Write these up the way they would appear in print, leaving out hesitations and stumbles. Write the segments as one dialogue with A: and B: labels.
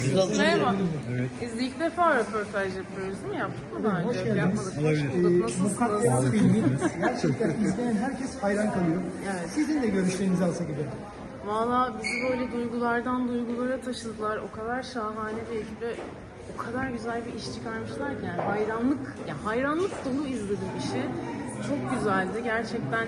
A: Merhaba.
B: Evet.
A: Biz ilk defa röportaj yapıyoruz değil mi? Yaptık mı daha önce?
C: Hoş geldiniz.
A: Yapmadık. Hoş
B: Olabilir.
A: bulduk. Nasılsınız?
C: Mukaddes filmi gerçekten izleyen herkes hayran kalıyor.
A: Evet.
C: Sizin de görüşlerinizi alsak gibi.
A: Valla bizi böyle duygulardan duygulara taşıdılar. O kadar şahane bir ekiple o kadar güzel bir iş çıkarmışlar ki yani hayranlık dolu izledim işi. Çok güzeldi. Gerçekten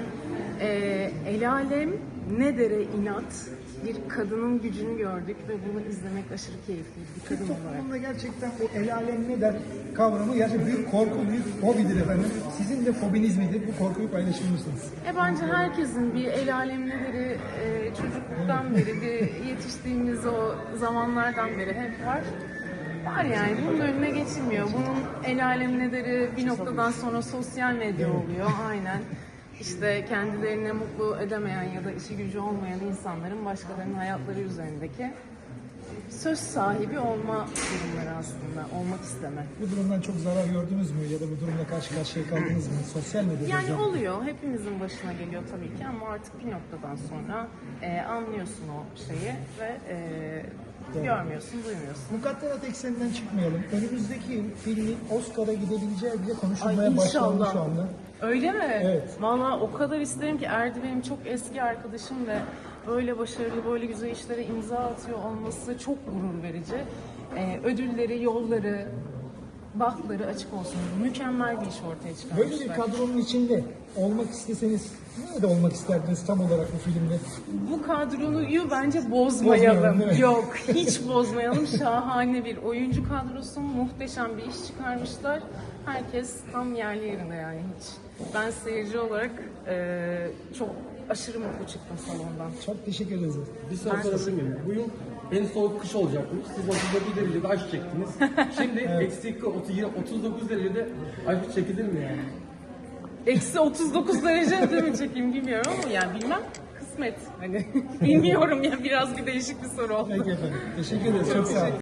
A: el alem ne dere inat bir kadının gücünü gördük ve bunu izlemek aşırı keyifliydi. Bir
C: Türk
A: kadın olarak.
C: toplumunda gerçekten o el alem ne der kavramı gerçekten büyük korku, büyük fobidir efendim. Sizin de fobiniz midir? Bu korkuyu paylaşır mısınız?
A: Bence herkesin bir el alemleri çocukluktan beri, bir yetiştiğimiz o zamanlardan beri hep var. Var yani bunun önüne geçilmiyor. Bunun el alemleri bir noktadan sonra sosyal medya oluyor. Aynen. İşte kendilerini mutlu edemeyen ya da işi gücü olmayan insanların başkalarının hayatları üzerindeki söz sahibi olma durumları aslında. Olmak isteme.
C: Bu durumdan çok zarar gördünüz mü ya da bu durumla karşı karşıya kaldınız mı? Sosyal medyada
A: Yani
C: özellikle.
A: oluyor. Hepimizin başına geliyor tabii ki ama artık bir noktadan sonra anlıyorsun o şeyi ve görmüyorsun, duymuyorsun.
C: Mukadderat ekseninden çıkmayalım. Önümüzdeki yıl filmin Oscar'a gidebileceği bile
A: Ay
C: konuşulmaya başlandı
A: inşallah.
C: şu anda.
A: Öyle mi?
C: Evet.
A: Valla o kadar isterim ki Erdi benim çok eski arkadaşım ve böyle başarılı, böyle güzel işlere imza atıyor olması çok gurur verici. Ödülleri, yolları, bahtları açık olsun. Mükemmel bir iş ortaya çıkarmışlar.
C: Böyle bir kadronun içinde olmak isteseniz nerede olmak isterdiniz tam olarak bu filmde?
A: Bu kadroyu bence bozmayalım.
C: Bozmayalım, değil mi?
A: Yok, hiç bozmayalım. Şahane bir oyuncu kadrosu, muhteşem bir iş çıkarmışlar. Herkes tam yerli yerinde yani hiç. Ben seyirci olarak çok aşırı mutlu çıktım salondan.
C: Çok teşekkür ederiz.
B: Bir soru sorabilir miyim? Bu yıl en soğuk kış olacakmış. Siz 39 derecede aşk çektiniz. Şimdi eksi 39 derecede aşk çekilir mi yani?
A: Eksi 39 derecede mi çekeyim bilmiyorum ama yani bilmem. Kısmet. Hani bilmiyorum ya biraz bir değişik bir soru oldu.
C: Peki efendim. Teşekkür ederiz. Çok sağ olun.